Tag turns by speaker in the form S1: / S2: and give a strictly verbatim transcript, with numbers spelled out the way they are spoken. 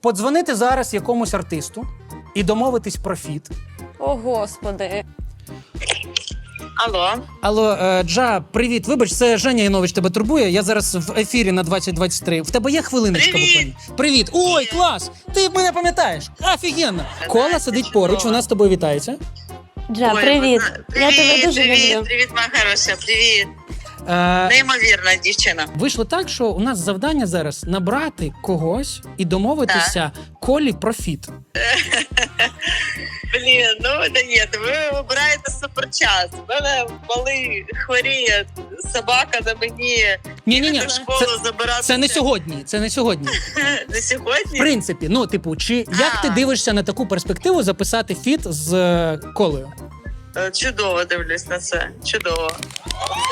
S1: Подзвонити зараз якомусь артисту і домовитись про фіт.
S2: О, Господи.
S3: Алло.
S1: Алло, е, Джа, привіт. Вибач, це Женя Янович тебе турбує. Я зараз в ефірі на двадцять двадцять три. В тебе є хвилиночка
S3: Привіт.
S1: буквально? Привіт. Ой, клас! Ти мене пам'ятаєш. Офігенно. Кола сидить поруч, вона з тобою вітається.
S2: Джа,
S3: Ой,
S2: привіт.
S3: вона-
S2: Я тебе дуже
S3: привіт,
S2: люблю.
S3: Привіт, моя хороша, привіт.
S1: Е,
S3: Неймовірна дівчина.
S1: Вийшло так, що у нас завдання зараз набрати когось і домовитися Колі про фіт.
S3: Блін, ну да ні, ви вибираєте суперчас. У мене малий хворіє, собака на мені.
S1: Ні-ні-ні,
S3: Їде в школу
S1: це,
S3: забирати.
S1: це не сьогодні, це не сьогодні.
S3: Не
S1: В
S3: сьогодні?
S1: принципі, ну, типу, чи як
S3: А.
S1: ти дивишся на таку перспективу записати фіт з е, Колею?
S3: Е, Чудово дивлюсь на це. Чудово.